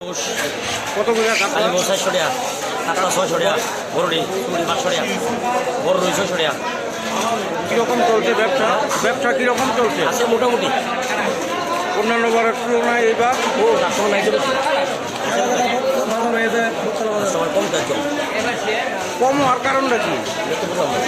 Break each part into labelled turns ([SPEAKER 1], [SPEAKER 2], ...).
[SPEAKER 1] কত করে কাতলা?
[SPEAKER 2] 400 টাকা, কাতলা 600 টাকা, বড়ডি 500 টাকা, বড় রুই 600 টাকা।
[SPEAKER 1] কীরকম চলছে ব্যবসা? ব্যবসা কীরকম চলছে?
[SPEAKER 2] আছে মোটামুটি।
[SPEAKER 1] অন্যান্য বারের তুলনায় এইবার
[SPEAKER 2] ও কাস্টমার নাই তো বেশি। কাস্টমার কম তার জন্য।
[SPEAKER 1] কম হওয়ার কারণটা কি?
[SPEAKER 2] দেখতে পেলাম না।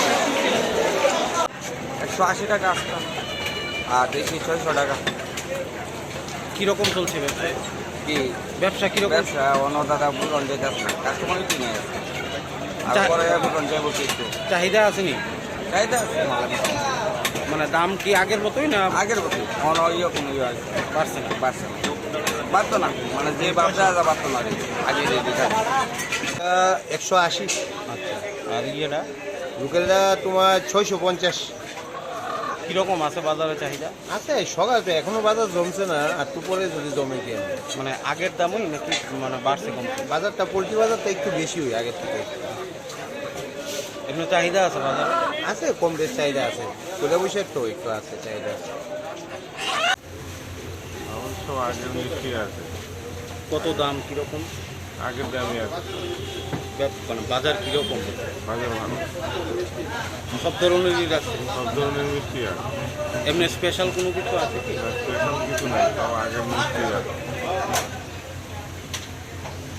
[SPEAKER 3] 180 টাকা আসতাম আর দেশি 600 টাকা।
[SPEAKER 1] কীরকম চলছে ব্যবসা?
[SPEAKER 3] কি
[SPEAKER 1] ব্যবসা কীরকম?
[SPEAKER 3] ব্যবসা অন্য দাদা বুলন যেতেছে কাস্টমার কিনে আছে আর পরে বুলন যাবো কিছু
[SPEAKER 1] চাহিদা আসেনি?
[SPEAKER 3] চাহিদা আছে
[SPEAKER 1] মানে দাম কি আগের মতোই না
[SPEAKER 3] আগের বছর অন ইয়ে কোনো ইয়ে আছে
[SPEAKER 1] বাড়ছে না?
[SPEAKER 3] বাড়ছে না বাড়তো না মানে যে ব্যবসা বাড়তো না আগে যে দিঘা
[SPEAKER 4] 180।
[SPEAKER 1] আচ্ছা, আর ইয়েটা
[SPEAKER 4] লোকেলটা তোমার 650
[SPEAKER 1] কীরকম আছে বাজারে চাহিদা?
[SPEAKER 4] আছে। সকাল তো এখনো বাজার জমছে না, আর তো পরে যদি জমে কি হবে।
[SPEAKER 1] মানে আগের দামই নাকি মানে বাড়ছে কমছে?
[SPEAKER 4] বাজারটা পোলট্রি বাজারটা একটু বেশি হয় আগের থেকে।
[SPEAKER 1] এমনি চাহিদা আছে বাজারে?
[SPEAKER 4] আছে, কম বেশ চাহিদা আছে। তোলে বসে তো একটু আছে চাহিদা।
[SPEAKER 5] অবশ্য আগের মিষ্টি আছে,
[SPEAKER 1] কত দাম কীরকম?
[SPEAKER 5] আগের দামই আছে,
[SPEAKER 1] মানে বাজার কীরকম?
[SPEAKER 5] বাজার ভালো,
[SPEAKER 1] সব ধরনেরই রাখছে?
[SPEAKER 5] সব ধরনের মিষ্টি আছে,
[SPEAKER 1] এমনি স্পেশাল কোনো কিছু আছে কি?
[SPEAKER 5] স্পেশাল কিছু নাই, সব আগের মিষ্টি আছে।